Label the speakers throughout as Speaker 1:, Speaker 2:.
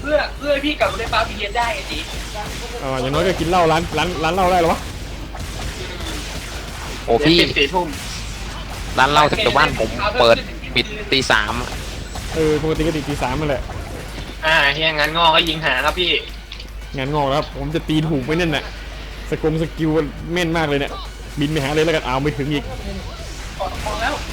Speaker 1: เพื่อพี่กลับมาได้ปาพี่เรียนได้ไงจี
Speaker 2: อย่างน้อยก็กินเหล้าร้านเหล้าได้หรอวะ
Speaker 3: โอ้พี่
Speaker 1: 4 ทุ่ม
Speaker 3: ร้านเหล้าแถวบ้านผมเปิดปิดตี 3
Speaker 2: ปกติก็ตี 3มาแหละ
Speaker 1: เฮียงั้นงอก็ยิงหาครับพี่
Speaker 2: งานงอกแล้วผมจะตีถูกไปนั่นน่ะสกิลแม่นมากเลยเนี่ยบินไปหาเลยแล้วกันเอาไม่ถึงอีก
Speaker 1: พอแล้ว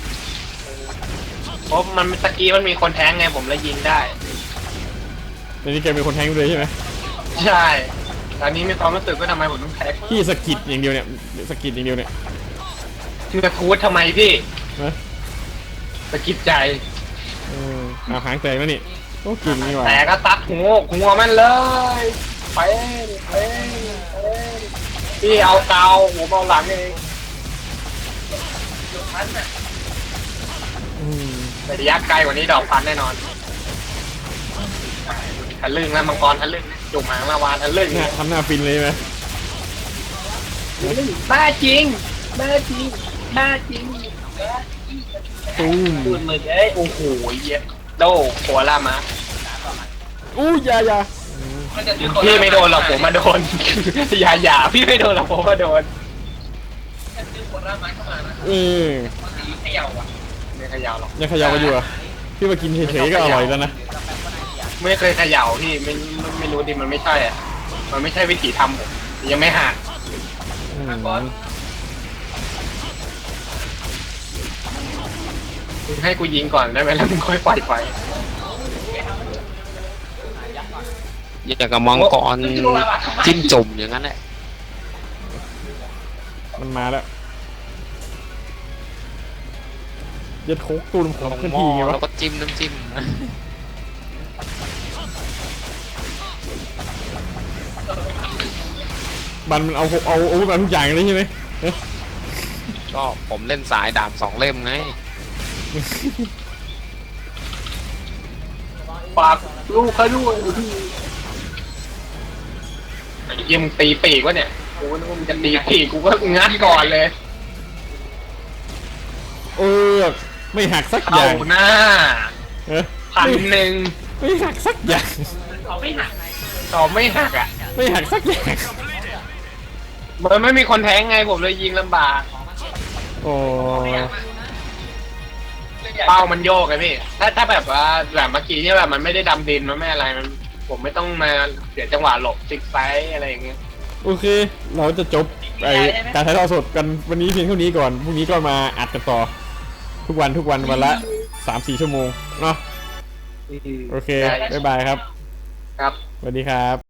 Speaker 1: เพราะมันตะกี้มันมีคนแทงไงผมเลยยิงได้
Speaker 2: ในนี้แกเป็นคนแทงเลยใช่ไหม
Speaker 1: ใช่ตอนนี้มีความรู้สึกว่าทำไมผมต้องแทง
Speaker 2: พี่สกิดอย่างเดียวเนี่ยสกิดอย่างเดียวเนี่ย
Speaker 1: คือกระทูดทำไมพี่สกิดใจ
Speaker 2: หางแตกแล้วนี่โอ้กิ่งนี่หว่า
Speaker 1: แต่ก็ตัดหัวมันเลยไปพี่เอาเกาผมเอาหลังเองแต่ระยะไกลกว่านี้ดอกพันแน่นอนทะลึ่งแล้วมังกรทะลึ่งจุกหางมาวานทะลึ่ง
Speaker 2: ทำหน้าฟินเลยไหม
Speaker 1: บ้าจริง
Speaker 2: ตูม
Speaker 1: ดูมือโอ้โหเยอะโดโคล่ามา
Speaker 2: อย่า
Speaker 1: พี่ไม่โดนหรอกผมมาโดนอย่าพี่ไม่โดนหรอกผมมาโดนเขย่าอ่ะไม่เขย่าหรอก
Speaker 2: ยังเขย่ากันอยู่อ่ะพี่มากินเฉยๆก็อร่อยแล้วนะ
Speaker 1: ไม่เคยเขย่าพี่ไม่รู้ดิมันไม่ใช่อ่ะมันไม่ใช่วิถีทำผมยังไม่หักให้กูยิงก่อนได้ไหมแล้วมึงค่อยปล่อยไฟ
Speaker 3: อยากกับมังกรจิ้มจุ่มอย่างนั้นแหละ
Speaker 2: มันมาแล้วยัดโคกตูนของขึ้นทีไงวะ
Speaker 3: แล้วก็จิ้มน้ำจิ้ม
Speaker 2: มันเอามาทุกอย่างเลยใช่ไหม
Speaker 3: ก็ผมเล่นสายดาบ2 เล่มไง
Speaker 1: ปากลูกเขาด้วยยิงตีปีกวะเนี่ยกูนึกว่ามันจะตีปีกกูก็งัดก่อนเลย
Speaker 2: ไม่หักสักอย่าง
Speaker 1: หน้า1,000
Speaker 2: ไม่หักสักอย่าง
Speaker 1: ต่อไม่หักอ่ะ
Speaker 2: ไม่หักสักอย่าง
Speaker 1: มันไม่มีคนแทงไงผมเลยยิงลำบากเป้ามันโยกไงพี่ถ้าแบบว่าแบบเมื่อกี้เนี่ยแบบมันไม่ได้ดำดินมันไม่อะไรมันผมไม่ต้องมาเสียจังหวะหลบซิกไซส์อะไรอย่างเงี้ย
Speaker 2: โอเคเราจะจบการถ่ายทอดสดกันวันนี้เพียงเท่านี้ก่อนพรุ่งนี้ก็มาอัดกันต่อทุกวันวันละ 3-4 ชั่วโมงเนาะโอเคบ๊ายบายครับ
Speaker 1: ครับ
Speaker 2: สวัสดีครับ